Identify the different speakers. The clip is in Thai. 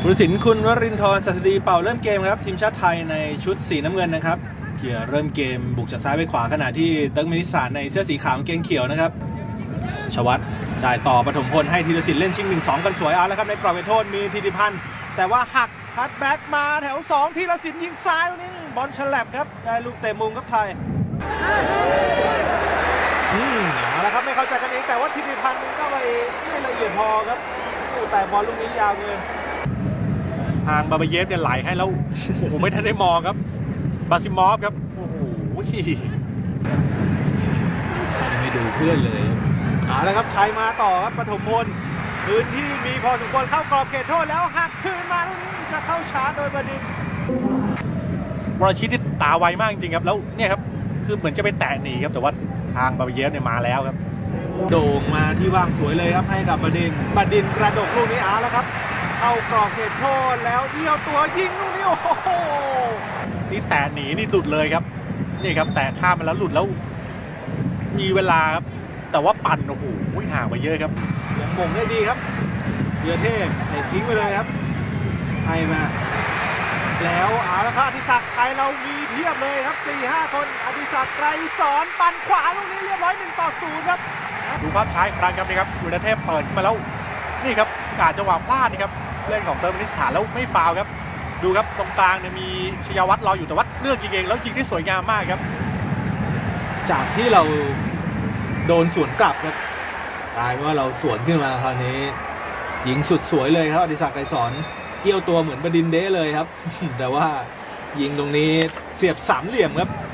Speaker 1: ผู้ตัดสินคุณวรินทร์ ศัสดีเป่าเริ่มเกมครับทีมชาติไทยในชุดสีน้ำเงินนะครับเขี่ยเริ่มเกมบุกจากซ้ายไปขวาขณะที่เติร์กเมนิสถานในเสื้อสีขาวกางเกงเขียวนะครับชวัตจ่ายต่อปฐมพลให้ธีรศิลป์เล่นชิง 1-2 กันสวยเอาแล้วครับในกรอบเขตโทษมีธีรพันธ์แต่ว่าหักคัตแบ็กมาแถว2ธีรศิลป์ยิงซ้ายนี่บอลฉลับครับได้ลูกเตะมุมครับไทยเอาละครับไม่เข้าใจกันเองแต่ว่าธีรพันธ์ก็ไปไม่ละเอียดพอครับแต่บอลลูกนี้ยาวเกินทางบาบาเยฟเนี่ยไหลให้แล้วผมไม่ทันได้มองครับบาซิมอฟครับโอ้โหไม่ดูเพื่อนเลยเอาละครับไทยมาต่อครับปฐมพลพื้นที่มีพอสมควรเข้ากรอบเขตโทษแล้วหักคืนมาลูกนี้จะเข้าชาร์จโดยบดินทร์วรชิตที่ตาไวมากจริงครับแล้วเนี่ยครับคือเหมือนจะไปแตะหนีครับแต่ว่าทางบาบาเยฟเนี่ยมาแล้วครับโด่งมาที่ว่างสวยเลยครับให้กับบดินทร์กระดกลูกนี้เอาแล้วครับเข้ากรอบเขตโทษแล้วเอี้ยวตัวยิงลูกนี้โอ้โหนี่แตะหนีนี่หลุดเลยครับนี่ครับแตะข้ามมาแล้วหลุดแล้วมีเวลาครับแต่ว่าปั่นโอ้โหห่างไปเยอะครับยังมงได้ดีครับเยอะเทพให้ทิ้งไปเลยครับให้มาแล้วเอาละครับอดิศักดิ์ไทยเรามีเพียบเลยครับ 4-5 คนอดิศักดิ์ไกรสอนปั่นขวาลูกนี้เรียบร้อย1-0ครับดูภาพช้าอีกครั้งครับนี่ครับเยอะเทพเปิดขึ้นมาแล้วนี่ครับกาจังหวะพลาดนี่ครับเล่นของเติร์กเมนิสถานแล้วไม่ฟาวครับดูครับตรงกลางเนี่ยมีชยวัฒน์รออยู่แต่ว่าเลือกยิงเองแล้วยิงได้สวยงามมากครับจากที่เราโดนสวนกลับครับกลายเป็นว่าเราสวนขึ้นมาคราวนี้ยิงสุดสวยเลยครับอดิศักดิ์ไกรสอนเกี่ยวตัวเหมือนบดินทร์เด้เลยครับ แต่ว่ายิงตรงนี้เสียบสามเหลี่ยมครับ